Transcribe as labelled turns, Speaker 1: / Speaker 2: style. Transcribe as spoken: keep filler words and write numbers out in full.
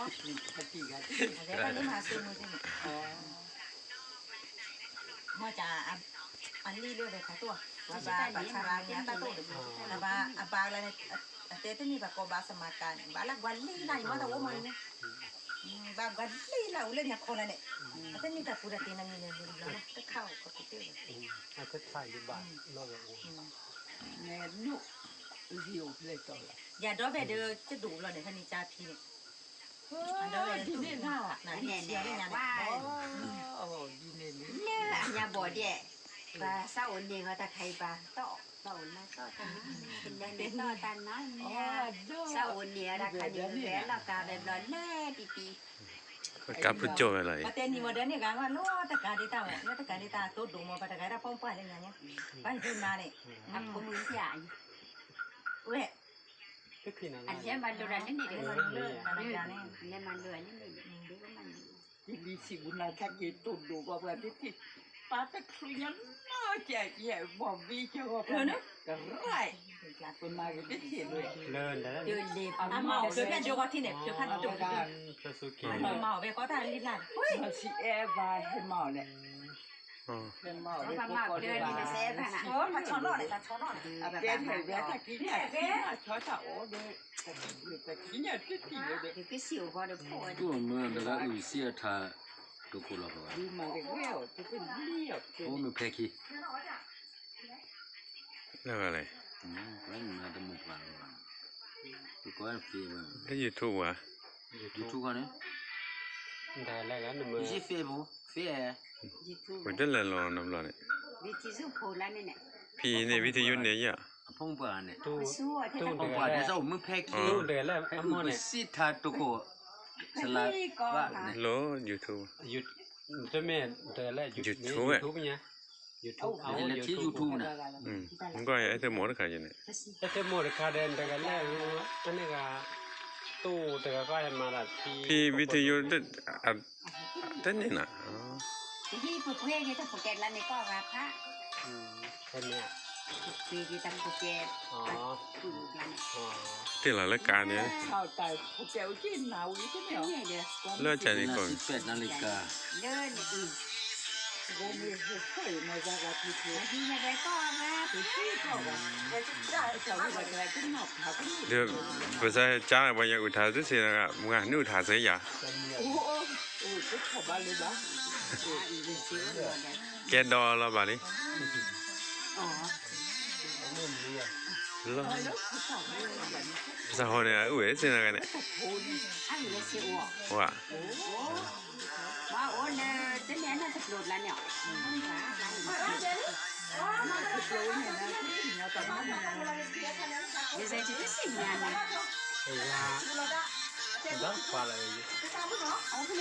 Speaker 1: Ada kan ni masuk macam ni. Macam ani dia dah tahu. Bapa pacaran ni tak tahu. Bapa apa lah ni. Tete ni bapa bahasa makan. Bala gwali lah, mana tahu mana ni. Bapa gwali lah, ulen yang kau lah ni. Tete ni tak pura tenang ni ni lah. Tak kau kau tu.
Speaker 2: Aku try di bawah, lalu.
Speaker 3: Ni nu, view betul lah.
Speaker 1: Ya, dah beda cedul lah ni kan ni cati ni. Ada
Speaker 3: di ni lah.
Speaker 1: Nah, ni dia ni yang
Speaker 3: Oh, di ni ni.
Speaker 4: เนี่ยบ่เดี่ยปลาเศร้าเนี่ยเขาตะไคร้ปลาโตโตนะโตตันเป็นแดงเป็นโตตันนะเนี่ยเศร้าเนี่ยราคาดีแหวนราคาแบบร้อนแน่ปีปี
Speaker 5: กับผู้โจอะไร
Speaker 1: Kata ni modern ni kan, lo tak ada tahu, lo tak ada tahu tu dulu pada kaya apa apa ni nanya. Kan tu mana?
Speaker 4: ทำข้อมือเสีย
Speaker 1: Weh,
Speaker 2: ก็คือนั่น
Speaker 4: อันนี้มันดูรันนี่เดี๋ยว
Speaker 1: mana
Speaker 4: มัน
Speaker 1: le, mana jane.
Speaker 4: อันนี้มันดูรันนี่เดี๋ยวมัน
Speaker 3: Di sini nak kaki tu dulu apa tu? Pada krian nak je, babi je apa? Kerai. Pun mari di sini.
Speaker 2: เลินแต่ละ
Speaker 4: เดินเล็บ
Speaker 1: Amau, sebenarnya juga sini, cepat tu.
Speaker 2: ซาซูกิ
Speaker 1: Amau, weh kau tak lihat.
Speaker 3: Masih eh bah mau ni.
Speaker 5: อ๋อ
Speaker 3: Mau
Speaker 4: เพ
Speaker 3: ni
Speaker 4: ราะว่าเดินนี่มันเซฟนะ
Speaker 1: Oh, macam mana ni? Macam mana ni?
Speaker 4: เอาแบบ
Speaker 3: Dia
Speaker 4: นั้น
Speaker 3: tu dia tak kini, kini cakap oh dia, dia kini tu tiada dia.
Speaker 4: คือคือสิวพอเดี๋ยวพอ
Speaker 6: ตัวเมื่อแต่ละอุเสียทาตุกุลาบ่
Speaker 3: Di mana dia, tu tu dia.
Speaker 6: โอ้มันแพคี
Speaker 5: แล้วอะไร
Speaker 6: อืมก็มันจะมุกว่าตัวก็เฟียบ่
Speaker 5: แล้วยูทูบวะ
Speaker 6: ยูทูบกันเนี่ย
Speaker 2: แต่แรกนั้นมือ
Speaker 6: มีเฟียบ่เฟีย
Speaker 4: ยูทูบ
Speaker 5: มันจะละลอนน้ำร้อนเนี่ย
Speaker 4: วิธีสู้โพลันนี่เนี่ย
Speaker 5: พี่ในวิทยุเนี่ยอ่ะ
Speaker 6: พงปาเนี่ย
Speaker 2: ตู้
Speaker 4: สู้อ่ะที่
Speaker 2: ตู้
Speaker 4: มัน
Speaker 6: พงปาเนี่ยเจ้ามือแพคี
Speaker 2: ตู้เดือดแล้ว
Speaker 6: ไอ้
Speaker 2: อัม
Speaker 6: อุ
Speaker 2: มอน
Speaker 6: ป
Speaker 2: เนี่ย
Speaker 6: สิทาตุกุสลาว่าเนี่ย
Speaker 5: โลยูทูบ
Speaker 2: หยุดจะแม่เดือดแล้วหยุด
Speaker 5: YouTube อะ
Speaker 2: ทูบเนี่ยยูทูบเอา
Speaker 6: นี่แหละที่
Speaker 2: ยูทูบ
Speaker 6: YouTube น่ะ
Speaker 5: อืมมันก็ไอ้เธอหมอตะขายอยู่เนี่ย
Speaker 2: แต่เจ้าโมดคาเดนแต่กันแล้วอันนี้ก็ตู้แต่ก็ให้มาละที่
Speaker 5: พี่วิทยุเด็ดอ่ะเต้นนี่นะอ๋อ
Speaker 4: ที่ผูกเพลงที่ถ้าผูกแกนแล้วนี่ก็ราคา
Speaker 2: อืมแค่เนี้ย
Speaker 4: ปีที่ตั้งผูกแกน
Speaker 2: อ๋อ
Speaker 4: ผูกแล้ว
Speaker 2: อ๋อ
Speaker 5: ที่หลังรายการเนี่ย
Speaker 3: Sao tại phụ kéo trên nào ý thế
Speaker 4: เนี่
Speaker 3: nào?
Speaker 4: ยเดี๋ยว
Speaker 5: เลิกใจนี่ก่อน
Speaker 6: สิบแปดนาฬิกา
Speaker 4: เดินอีก
Speaker 3: Gồm như phải mà ra là thì thế.
Speaker 4: ที่ไม่ได้ก็มา
Speaker 3: Thì thế có mà. Cái cháu mà cái cái ngọc thảo cái
Speaker 5: เดี๋ยวภาษาจ้าวันยังอุทาสุดเสียนะมึงอ่ะนู่นทาเสียอย่า
Speaker 3: Ồ, ồ, cái khẩu ba lên đó.
Speaker 4: อีกสิวเลย
Speaker 5: แกดอแล้วบ้านี้
Speaker 4: อ๋อ
Speaker 2: มุมนี้อ่ะ
Speaker 5: แล้ว
Speaker 3: Cái đó cái khẩu ba lên là
Speaker 5: ภาษาคนเนี่ยอุ้ยเสียนะกันเนี่ย
Speaker 4: อันนี้สิว
Speaker 5: ว่า
Speaker 4: โอ้ว่าโอ้เนี่ยจะเลี้ยงน่าจะโดดแล้วเนี่ย
Speaker 3: cái lối này là cái nhà tao nói là
Speaker 4: เดี๋ยวจะจะสิ่งงานนะ
Speaker 2: ไอ้ยาดังกว่าอะไร